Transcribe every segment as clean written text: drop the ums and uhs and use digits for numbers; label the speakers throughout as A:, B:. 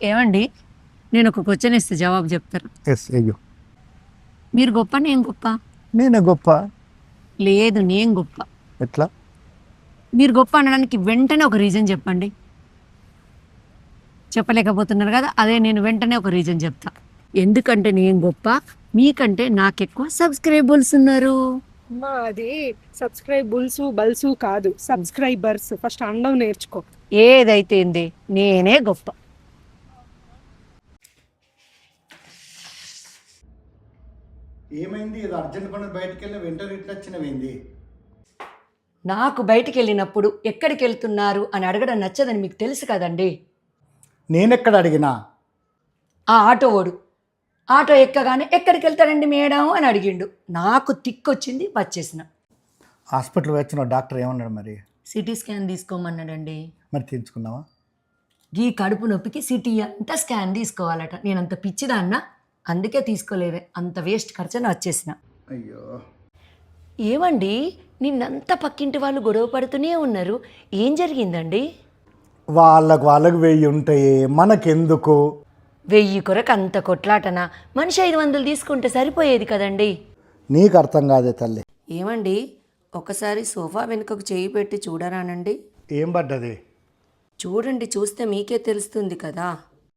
A: ఏమండి, నేను ఒక క్వశ్చన్ ఇస్తే జవాబు చెప్తారు.
B: ఎస్ అయ్యో,
A: మీరు గొప్ప, నేను గొప్ప?
B: నేనే గొప్ప.
A: లేదు, నేను గొప్ప.
B: ఎట్లా?
A: మీరు గొప్ప అనడానికి వెంటనే ఒక రీజన్ చెప్పండి. చెప్పలేకపోతున్నారు కదా, అదే నేను వెంటనే ఒక రీజన్ చెప్తా. ఎందుకంటే నేను గొప్ప, మీకంటే నాకెక్కువ సబ్స్క్రైబర్స్ ఉన్నారు.
C: అది సబ్స్క్రైబుల్స్ బల్సు కాదు, సబ్స్క్రైబర్స్. ఫస్ట్ అండం నేర్చుకో.
A: ఏదైతే ఏంది, నేనే గొప్ప.
B: ఏమైంది? ఏదో అర్జెంట్ పని బయటికి వెళ్ళి వెంటనే ఇట్లా వచ్చినవేంది?
A: నాకు బయటికి వెళ్ళినప్పుడు ఎక్కడికి వెళ్తున్నారు అని అడగడం నచ్చదని మీకు తెలుసు కదండి.
B: నేనెక్కడ అడిగినా?
A: ఆ ఆటోవాడు ఆటో ఎక్కగానే ఎక్కడికి వెళ్తాడండి మేడం అని అడిగిండు. నాకు తిక్కొచ్చింది, వచ్చేసిన.
B: హాస్పిటల్ వచ్చిన డాక్టర్ ఏమన్నాడు మరి?
A: సిటీ స్కాన్ తీసుకోమన్నాడండి.
B: మరి తీర్చుకున్నావా?
A: ఈ కడుపు నొప్పికి సిటీ అంతా స్కాన్ తీసుకోవాలట. నేను అంత పిచ్చిదాన్నా, అందుకే తీసుకోలేదే. అంత వేస్ట్ ఖర్చున వచ్చేసిన.
B: అయ్యో,
A: ఏమండి, నిన్నంతా పక్కింటి వాళ్ళు గొడవ పడుతూనే ఉన్నారు. ఏం జరిగిందండి?
B: వాళ్ళకు 1000 ఉంటాయి, మనకెందుకు?
A: 1000 కొరకు అంత కొట్లాటనా? మనిషి 500 తీసుకుంటే సరిపోయేది కదండి.
B: నీకు అర్థం కాదే తల్లి.
A: ఏమండి, ఒకసారి సోఫా వెనుకకు చేయి పెట్టి చూడరానండి?
B: ఏం పడ్డది?
A: చూడండి, చూస్తే మీకే తెలుస్తుంది కదా.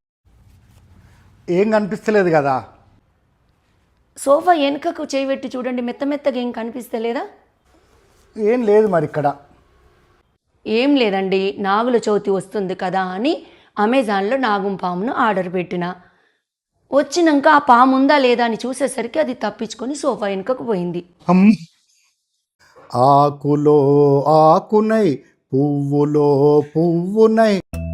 B: ఏం కనిపిస్తలేదు కదా.
A: సోఫా వెనుకకు చేయి పెట్టి చూడండి, మెత్త మెత్తగా ఏం కనిపిస్తలేదా?
B: ఏం లేదు మరి ఇక్కడ.
A: ఏం లేదండి, నాగుల చవితి వస్తుంది కదా అని అమెజాన్లో నాగం పామును ఆర్డర్ పెట్టిన. వచ్చినాక ఆ పాము ఉందా లేదా అని చూసేసరికి అది తప్పించుకొని సోఫా వెనుకకు పోయింది.
B: ఆకులో ఆకునై, పువ్వులో పువ్వునై.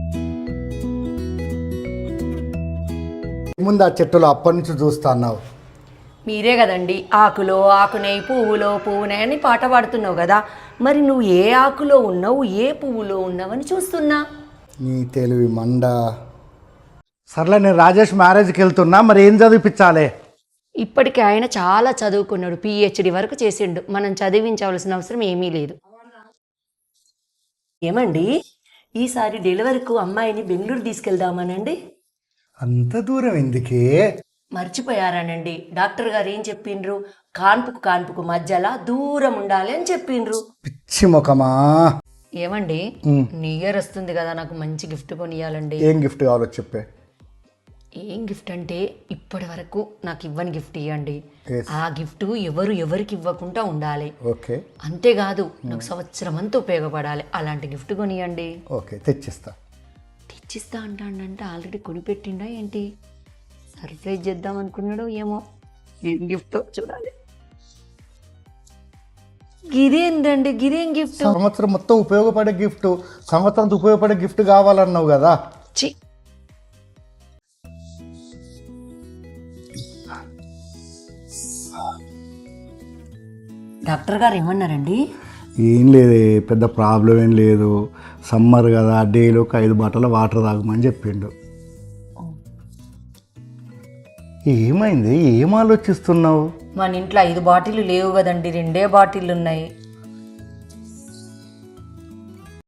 B: ముందు ఆ చెట్టులో అప్పటి నుంచి చూస్తా అన్నావు.
A: మీరే కదండి ఆకులో ఆకునై, పువ్వులో పువ్వునై అని పాట పాడుతున్నావు కదా. మరి నువ్వు ఏ ఆకులో ఉన్నావు, ఏ పువ్వులో ఉన్నావని చూస్తున్నా.
B: నీ తెలివి మండ. సర్లే, నేను రాజేష్ మ్యారేజ్కి వెళ్తున్నా, మరి ఏం చదివిపించాలి?
A: ఇప్పటికే ఆయన చాలా చదువుకున్నాడు, PhD వరకు చేసిండు. మనం చదివించవలసిన అవసరం ఏమీ లేదు. ఏమండి, ఈసారి డెలివరీకు అమ్మాయిని బెంగళూరు తీసుకెళ్దామనండి.
B: అంత దూరం ఎందుకే?
A: మర్చిపోయారానండి, డాక్టర్ గారు ఏం చెప్పిండ్రు? కాన్పుకు కాన్పుకు మధ్యలో దూరం ఉండాలి అని చెప్పిండ్రు.
B: పిచ్చి ముఖమా.
A: ఏమండి, న్యూ ఇయర్ వస్తుంది కదా, నాకు మంచి గిఫ్ట్ కొనియాలండి.
B: ఏం గిఫ్ట్ కావాలో చెప్పే.
A: ఏం గిఫ్ట్ అంటే, ఇప్పటి వరకు నాకు ఇవ్వని గిఫ్ట్ ఇవ్వండి.
B: Yes.
A: ఆ గిఫ్ట్ ఎవరికి ఇవ్వకుండా ఉండాలి.
B: ఓకే.
A: అంతేకాదు, నాకు సంవత్సరం అంతా ఉపయోగపడాలి. అలాంటి గిఫ్ట్ కొనియండి.
B: ఓకే, తెచ్చిస్తా.
A: తెచ్చిస్తా అంటాడంటే ఆల్రెడీ కొనిపెట్టిండా ఏంటి? సర్ప్రైజ్ చేద్దాం అనుకున్నాడు ఏమో. ఏం గిఫ్ట్ చూడాలి. గిదేందండి, గిదేం గిఫ్ట్?
B: సంవత్సరం మొత్తం ఉపయోగపడే గిఫ్ట్. సంవత్సరం ఉపయోగపడే గిఫ్ట్ కావాలన్నావు కదా.
A: చి, డాక్టర్ గారు ఏమన్నారండి?
B: ఏం లేదు, పెద్ద ప్రాబ్లం ఏం లేదు. సమ్మర్ కదా, డైలీ ఒక 5 బాటిల్ వాటర్ తాగమని చెప్పిండు. ఏమైంది? ఏం ఆలోచిస్తున్నావు?
A: మన ఇంట్లో 5 బాటిల్ లేవు కదండి, 2 బాటిల్ ఉన్నాయి.